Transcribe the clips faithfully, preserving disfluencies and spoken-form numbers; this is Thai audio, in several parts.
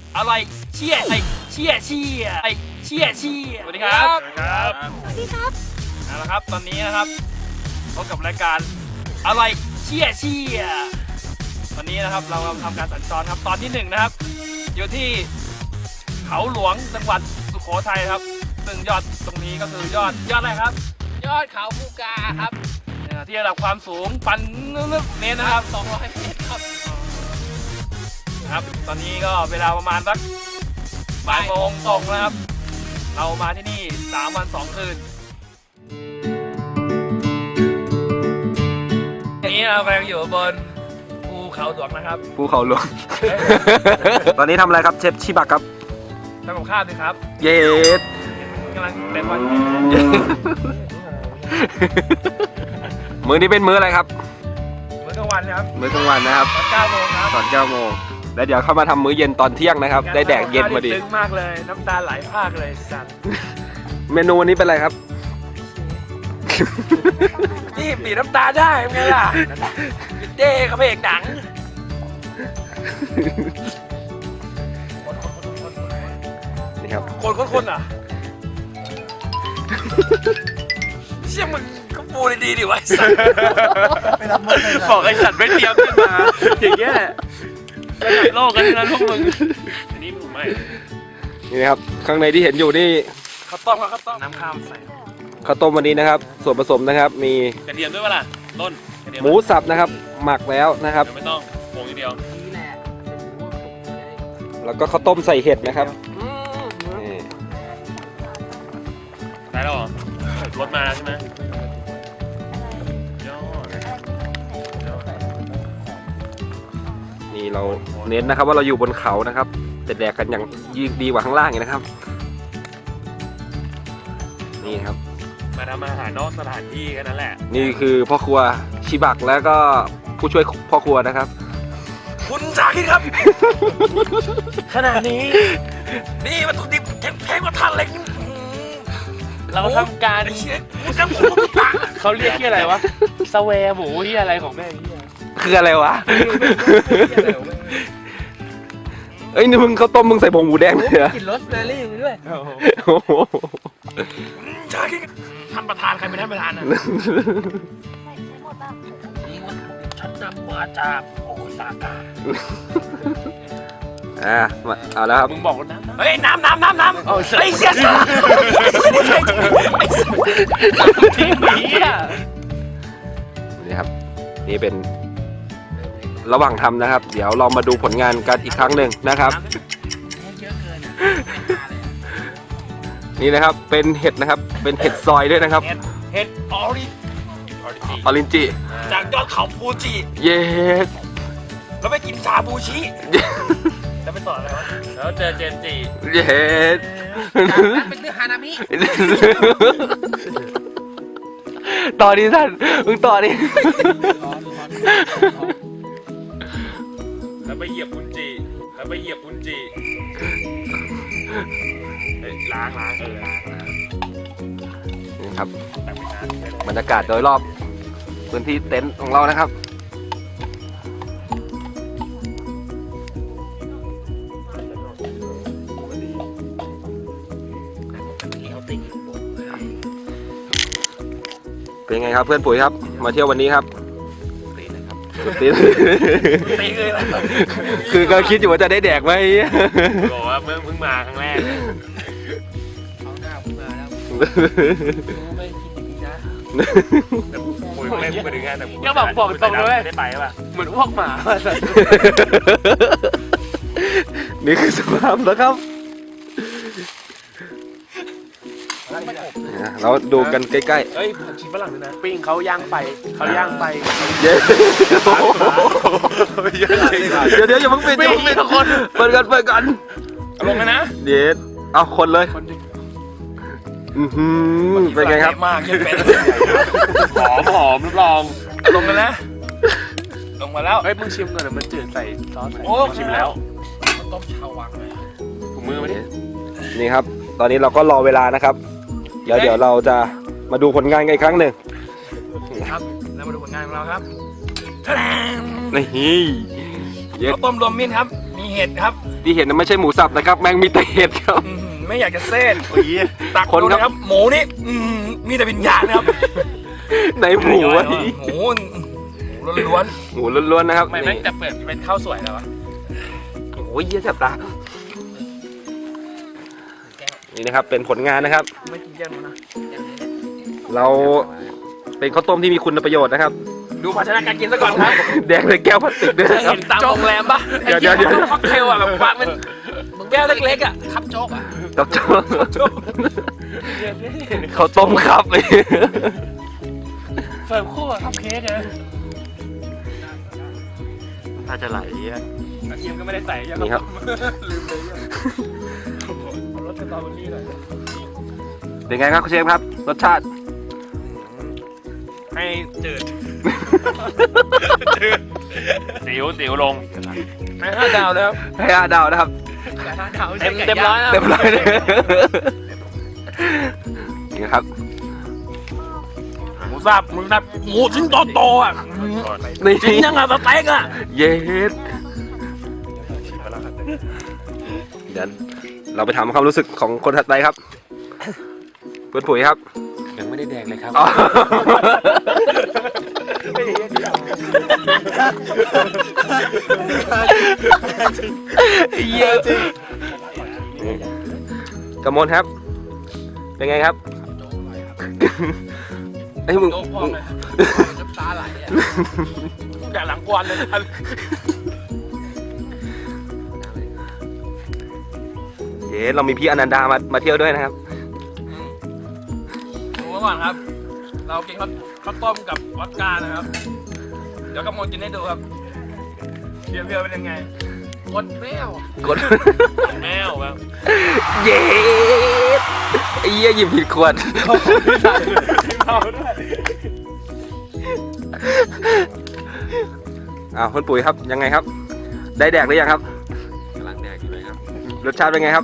อร่อยเชี่ยไอเชี่ยเชี่ยไอเชี่ยเชี่ยสวัสดีครับครับสวัสดีครับเอาละครับตอนนี้นะครับพบกับรายการอร่อยเชี่ยเชี่ยตอนนี้นะครับเราทำการสัญจรครับตอนที่หนึ่งนะครับอยู่ที่เขาหลวงจังหวัดสุโขทัยครับซึ่งยอดตรงนี้ก็คือยอดยอดอะไรครับยอดเขาภูกาครับที่ระดับความสูงปันนึกเมตรนะครับสองร้อยเมตรครับครับตอนนี้ก็เวลาประมาณสักบ่ายโมงตรงนะครับเรามาที่นี่สามวันสองคืนนี้เรากำลังอยู่บนภูเขาหลวงนะครับภูเขาหลวง ตอนนี้ทำอะไรครับเชฟชิบักครับทำกับข้าวสิครับเย็ดกำลังเต้นวันมื้อนี้เป็นมื้ออะไรครับมื้อกลางวันครับมื้อกลางวันนะครับตอนเก้าโมงครับตอนเก้าโมงแล้วเดี๋ยวเข้ามาทำมื้อเย็นตอนเที่ยงนะครับได้แดกเย็นพอดีซึ้งมากเลยน้ำตาไหลพากเลยสัตว์เมนูวันนี้เป็นอะไรครับนี่บีบน้ำตาได้ไงล่ะเด้เขาเพลงหนังนี่ครับคนคนคนอ่ะเชี่ยมึงก็ปูดีๆดิวะไอ้สัตว์บอกไอ้สัตว์ไม่เตรียมขึ้นมาอย่างเงี้ยระดับโลกกันนะพวกมึงอันนี้มึงไม่นี่นะครับข้างในที่เห็นอยู่นี่ข้าวต้มข้าวต้มน้ำข้าวใส่ข้าวต้มวันนี้นะครับส่วนผสมนะครับมีกระเทียมด้วยป่ะล่ะต้นหมูสับนะครับหมักแล้วนะครับไม่ต้องโปงทีเดียวแล้วก็ข้าวต้มใส่เห็ดนะครับได้แล้วเหรอรถมาใช่ไหมนี่เราเน้นนะครับว่าเราอยู่บนเขานะครับแต่แดกกันอย่างยิ่งดีกว่าข้างล่างอีกนะครับนี่ครับมาทำอาหารนอกสถานที่แค่นั้นแหละนี่คือพ่อครัวชิบักแล้วก็ผู้ช่วยพ่อครัวนะครับคุณสาคิดครับ ขนาดนี้นี่วัตถุดิบแข็งๆกว่าท่านเล็กเราทำการเขาเรียกที่อะไรวะสเวร์หมูที่อะไรของแม่ที่คืออะไรวะเอ้ยนี่มึงข้าวต้มมึงใส่ผงหมูแดงเลยเหรอกินโรสแมรี่ไปด้วยใช่ท่านประธานใครเป็นท่านประธานนะใส่หมดป่ะนี่วัตถุดิบชั้นนำมาจากโอซาก้าอ่าเอาแล้วครับมึงบอกน้ำเฮ้ยน้ำน้ำน้ำน้ำไอ้เสียสัตว์ทีมนี้อ่ะนี่ครับนี่เป็นระหว่างทำนะครับเดี๋ยวเรามาดูผลงานกันอีกครั้งหนึ่งนะครับนี่นะครับเป็นเห็ดนะครับเป็นเห็ดซอยด้วยนะครับเห็ดออริออรินจิจากยอดเขาฟูจิเย็ดแล้วไปกินชาบูชิจะไปต่ออะไรวะแล้วเจอเจนจิเย็ดเป็นเรื่องฮานามิต่อดิท่านมึงต่อดิแล้วไปเหยียบอุนจิแล้วไปเหยียบอุนจิล้างล้างเออล้างนี่ครับบรรยากาศโดยรอบพื้นที่เต็นท์ของเรานะครับเป็นไงครับเพื่อนปุ๋ยครับมาเที่ยววันนี้ครับตีเลยครับตีตีเลยคือก็คิดอยู่ว่าจะได้แดกไหมบอกว่าเมื่อเพิ่งมาครั้งแรกเอาหน้าเพิ่งมาแล้วไม่คิดดีนะแต่ปุ๋ยไม่พูดไปถึงงานแต่ก็บอกบอกตรงเลยได้ไปป่ะเหมือนอ้วกหมานี่คือสภาพนะครับเราดูกันใกล้ๆเฮ้ยชิมฝรั่งด้วยนะปิ้งเขาย่างไฟเขาย่างไฟเย้เดี๋ยวเดี๋ยวอย่าเพิ่งปิดอย่าเพิ่งปิดทุกคนเปิดกันเปิดกันลงเลยนะเดี๋ยวเอาคนเลยอือหือเป็นไงครับมากยังเป็นหอมหอมรับรองลงกันนะลงมาแล้วเฮ้ยมึงชิมก่อนเดี๋ยวมันจืดใส่ซอสโอ้ชิมแล้วต้มชาววังเลยถุงมือมาดินี่ครับตอนนี้เราก็รอเวลานะครับเดี๋ยวเดี๋ยวเราจะมาดูผลงานกันอีกครั้งหนึ่งครับแล้วมาดูผลงานของเราครับนี่ข้าวต้มรวมมิตรครับมีเห็ดครับที่เห็นนั้นไม่ใช่หมูสับนะครับ แม่งมีแต่เห็ดครับอื้อหือไม่อยากจะเส้นโอ้ยตักคนดูครับนะครับ หมูนี่อื้อหือมีแต่วิญญาณนะครับในหมูวะหมูหมูล้วนหมูล้วนๆนะครับๆไม่แม่งจะเปิดเป็นข้าวสวยแล้ววะโอ้ยเยี่ยแสบตานี่นะครับเป็นผลงานนะครับไม่กินแก้มนะเราเป็นข้าวต้มที่มีคุณประโยชน์นะครับดูภาชนะการกินซะก่อนครับแดงเลยแก้วพลาสติกด้วยเคยนะครับเห็นตามโรงแรมปะเดี๋ยวเดี๋ยวเดี๋ยวค็อกเทลอ่ะแบบวางเป็นแก้วเล็กๆอ่ะคับโจ๊กอ่ะกับโจ้ข้าวต้มครับเสิร์ฟคู่กับคัพเค้กเลยน่าจะไหลอ่ะกระเทียมก็ไม่ได้ใส่ใช่ไหมนี่ครับลืมเลยรสสตรอเบอรี่หน่อยเป็นไงครับคุณเชฟครับรสชาติให้จืดติ๋วติ๋วลงให้ห้าดาวเลยครับให้ห้าดาวนะครับเต็มเต็มร้อยนะเต็มร้อยเลยนี่ครับหมูสับหมูสับหมูชิ้นโตๆอ่ะนี่ชิ้นยังกับสเต็กอ่ะเย็ดเดี๋ยวเราไปถามความรู้สึกของคนถัดไปครับเพื่อนปุ๋ยครับยังไม่ได้แดงเลยครับอ๋อเยอะจริงกมลครับ เป็นไงครับไอ้ยมึงโจ๊กพองเลยน้ำตาไหลอ่ะแต่หลังกวนเลยนะเย้เรามีพี่อนันดามามาเที่ยวด้วยนะครับดูไว้ก่อนครับ เรากินข้าวข้าวต้มกับวอดก้านะครับ เดี๋ยวกำมลกินให้ดูครับเพียวๆเป็นยังไงกดแมวกดแมวแบบเย้ไอ้เหี้ยหยิบผิดขวดเอาด้วยอ้าวคุณปุ๋ยครับยังไงครับ ได้แดกหรือยังครับกำลังแดงอยู่เลยครับรสชาติเป็นไงครับ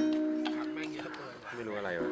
ไม่รู้อะไรวะ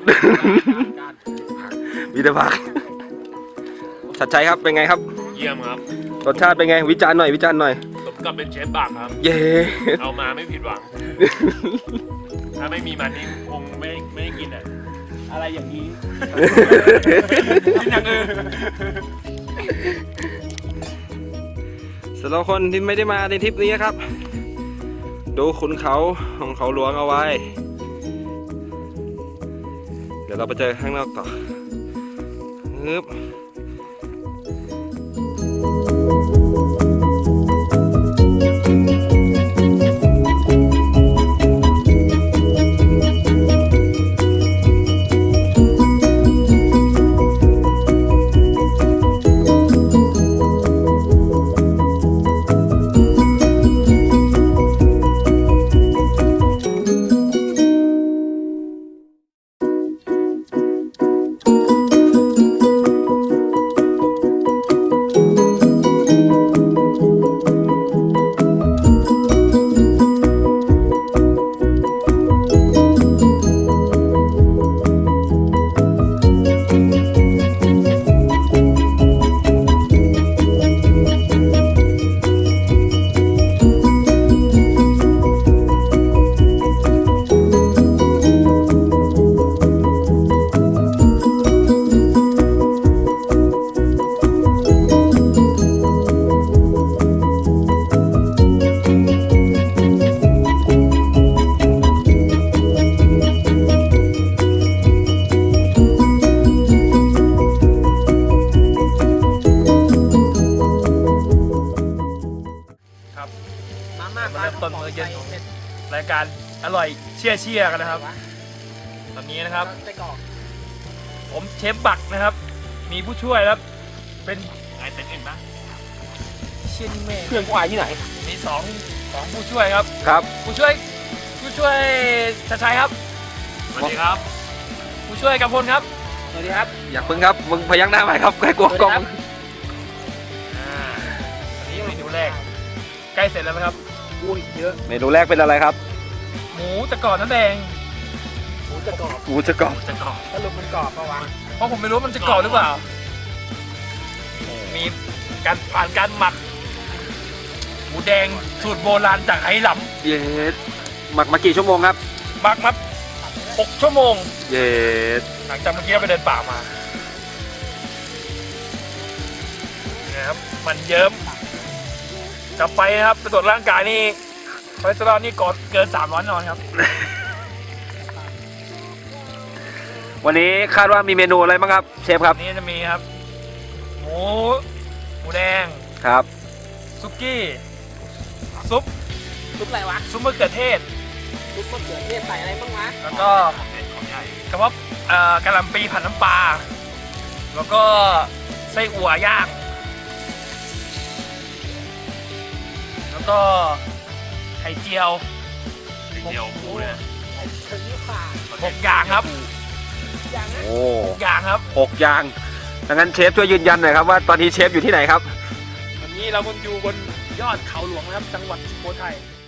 วิทยาภาคชัดชัยครับเป็นไงครับเยี่ยมครับรสชาติเป็นไงวิจารณ์หน่อยวิจารณ์หน่อยสมกับเป็นเชฟบักครับเย้เอามาไม่ผิดหวัง ถ้าไม่มีมันนี่คงไม่ไม่ได้กินอ่ะอะไรอย่างนี้กินอย่างอื่นสำหรับคนที่ไม่ได้มาในทริปนี้ครับ ดูขุนเขาของเขาหลวงเอาไว้ เดี๋ยวเราไปเจอข้างนอกต่อฮึบมาเริ่มต้นมื้อเย็นของรายการอร่อยเชี่ยเชี่ยกันนะครับตอนนี้นะครับผมเชฟบักนะครับ มีผู้ช่วยครับเป็นไงเต็นอื่นปะเชี่ยนี่แม่เพื่อนกูอายที่ไหนมีสองสองผู้ช่วยครับครับผู้ช่วยผู้ช่วยชัดชัยครับสวัสดีครับผู้ช่วยกำพลครับสวัสดีครับอยากพึ่งครับมึงพยักหน้าไปครับใกล้กลัวกล้องอ่าอันนี้เมนูแรกใกล้เสร็จแล้วนะครับอุ้ยเยอะเมนูแรกเป็นอะไรครับหมูตะกรอบน้ำแดงหมูจะกรอบจะกรอบสรุปมันกรอบปะวะเพราะผมไม่รู้ว่ามันจะกรอบหรือเปล่า มีการผ่านการหมักหมูแดงสูตรโบราณจากไหหลเย็ดหมักมากี่ชั่วโมงครับำมักมัดหกชั่วโมงเย็ดหลังจากเมื่อกี้เราไปเดินป่ามานะครับมันเยิ้มกลับไปนะครับไปตรวจร่างกายนี่คอเลสเตอรอลนี่ก่อนเกินสามร้อยนอนครับวันนี้คาดว่ามีเมนูอะไรบ้างครับเชฟครับนี่จะมีครับ หมูหมูแดงครับซุกี้ซุปซุปอะไรวะซุปมะเขือเทศซุปมะเขือเทศใส่อะไรบ้างวะแล้วก็กระเพาะเอ่อกะหล่ำปีผัดน้ำปลาแล้วก็ไส้อั่วย่าง แล้วก็ไข่เจียวเดียวปูเนี่ยใส่เชอรี่ป่าหกอย่างครับอย่างนั้นโอ้หกอย่างครับหกอย่างดังนั้นเชฟช่วยยืนยันหน่อยครับว่าตอนนี้เชฟอยู่ที่ไหนครับวันนี้เราบนอยู่บนยอดเขาหลวงนะครับ จังหวัดสุโขทัย